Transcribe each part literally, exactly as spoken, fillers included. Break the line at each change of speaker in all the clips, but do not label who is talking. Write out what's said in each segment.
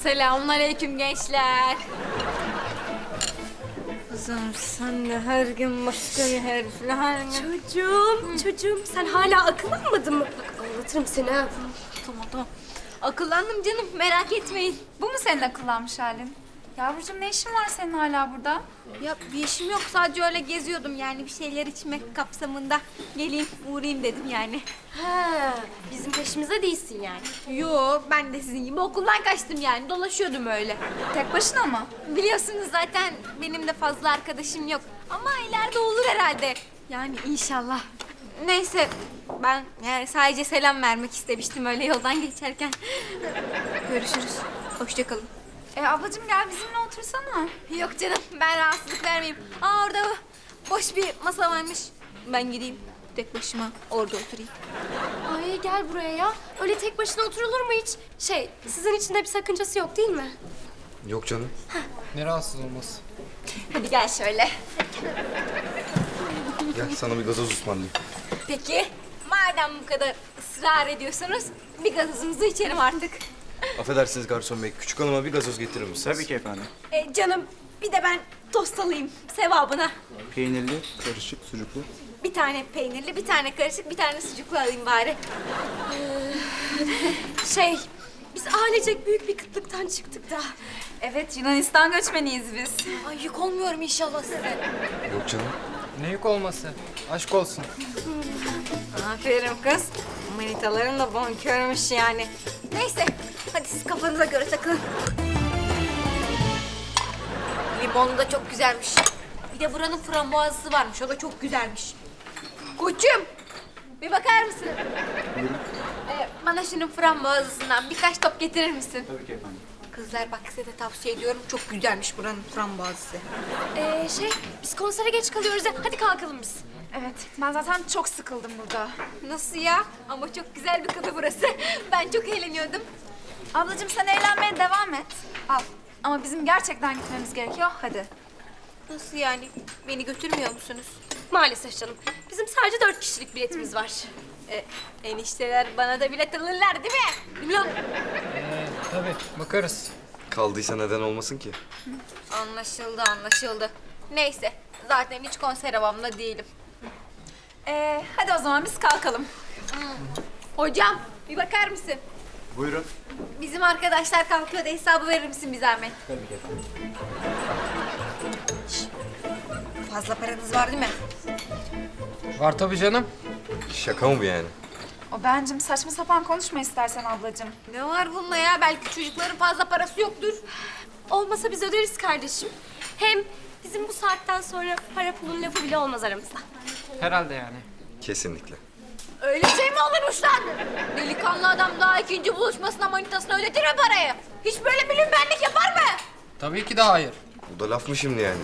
Selamünaleyküm gençler.
Kızım sen de her gün başka bir herifle her gün...
Çocuğum, çocuğum sen hala akıllanmadın mı? Bak anlatırım seni ha.
Tamam tamam. Akıllandım canım, merak etmeyin.
Bu mu senin akıllanmış halin? Yavrucuğum ne işin var senin hala burada?
Ya bir işim yok, sadece öyle geziyordum yani bir şeyler içmek kapsamında. Geleyim, uğrayayım dedim yani.
Ha, bizim peşimize değilsin yani.
Yo, ben de sizin gibi okuldan kaçtım yani, dolaşıyordum öyle.
Tek başına mı?
Biliyorsunuz zaten benim de fazla arkadaşım yok. Ama ileride olur herhalde. Yani inşallah. Neyse, ben yani sadece selam vermek istemiştim öyle yoldan geçerken. Görüşürüz. Hoşça kalın.
E ablacığım gel bizimle otursana.
Yok canım, ben rahatsızlık vermeyeyim. Aa orada boş bir masa varmış. Ben gideyim tek başıma orada oturayım.
Ay gel buraya ya. Öyle tek başına oturulur mu hiç? Şey, sizin için de bir sakıncası yok değil mi?
Yok canım.
Ne rahatsız olması?
Hadi gel şöyle.
Gel sana bir gazoz ısmarlayayım.
Peki, madem bu kadar ısrar ediyorsunuz, bir gazozunuzu içerim artık.
Affedersiniz garson bey. Küçük hanıma bir gazoz getirir misiniz?
Tabii ki efendim.
E, canım, bir de ben tost alayım sevabına.
Peynirli, karışık, sucuklu.
Bir tane peynirli, bir tane karışık, bir tane sucuklu alayım bari.
Şey, biz ailecek büyük bir kıtlıktan çıktık da.
Evet Yunanistan göçmeniyiz biz.
Ay yük olmuyorum inşallah size.
Yok canım.
Ne yük olması? Aşk olsun.
Aferin kız. Manitaların da bonkörmüş yani.
Neyse, hadi siz kafanıza göre takılın. Limonu da çok güzelmiş. Bir de buranın frambuazlısı varmış, o da çok güzelmiş. Koçum, bir bakar mısın?
Buyurun.
Ee, bana şunun frambuazlısından birkaç top getirir misin?
Tabii ki efendim.
Kızlar bak size de tavsiye ediyorum, çok güzelmiş buranın frambuazlısı.
Ee, şey, biz konsere geç kalıyoruz ya. Hadi kalkalım biz.
Evet ben zaten çok sıkıldım burada.
Nasıl ya? Ama çok güzel bir kafe burası. Ben çok eğleniyordum.
Ablacığım sen eğlenmeye devam et. Al. Ama bizim gerçekten gitmemiz gerekiyor. Hadi.
Nasıl yani? Beni götürmüyor musunuz?
Maalesef canım. Bizim sadece dört kişilik biletimiz var.
Ee, enişteler bana da bilet alırlar değil mi? Değil mi lan?
Ee, tabii bakarız.
Kaldıysa neden olmasın ki?
Anlaşıldı, anlaşıldı. Neyse, zaten hiç konser havamda değilim.
Ee, hadi o zaman biz kalkalım.
Hocam, bir bakar mısın?
Buyurun.
Bizim arkadaşlar kalkıyor da hesabı verir misin bir zahmet?
Tabii ki efendim.
Fazla paranız var değil mi?
Var tabii canım.
Şaka mı bu yani?
O bencim saçma sapan konuşma istersen ablacığım.
Ne var bunda ya? Belki çocukların fazla parası yoktur.
Olmasa biz öderiz kardeşim. Hem bizim bu saatten sonra para pulun lafı bile olmaz aramızda.
Herhalde yani.
Kesinlikle.
Öyle şey mi olurmuş lan? Delikanlı adam daha ikinci buluşmasına manitasına ödetir mi parayı? Hiç böyle bilinbenlik yapar mı?
Tabii ki de hayır.
Bu da laf mı şimdi yani?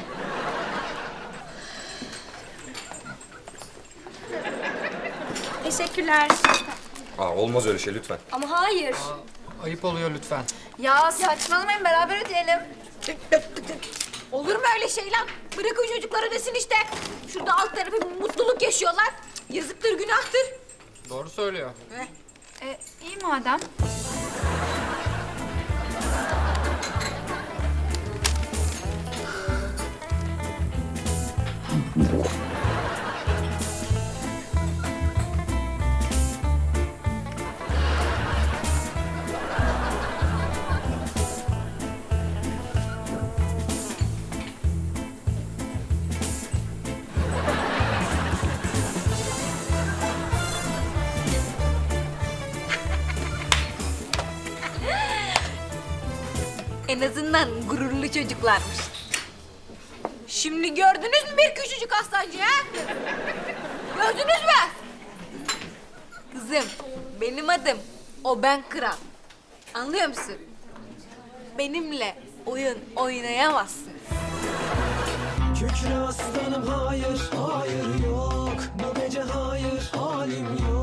Teşekkürler.
Aa olmaz öyle şey lütfen.
Ama hayır.
Ayıp oluyor lütfen.
Ya saçmalamayın beraber ödeyelim.
Olur mu öyle şey lan? Bırakın çocuklar ödesin işte. Şurada alt tarafı bir mutluluk yaşıyorlar. Yazıktır, günahtır.
Doğru söylüyor.
Ee, iyi madem.
En azından gururlu çocuklarmış. Şimdi gördünüz mü bir küçücük aslancı ha? Gördünüz mü? Kızım, benim adım o ben kral. Anlıyor musun? Benimle oyun oynayamazsın.
Kükre aslanım hayır, hayır yok. Bu gece hayır, halim yok.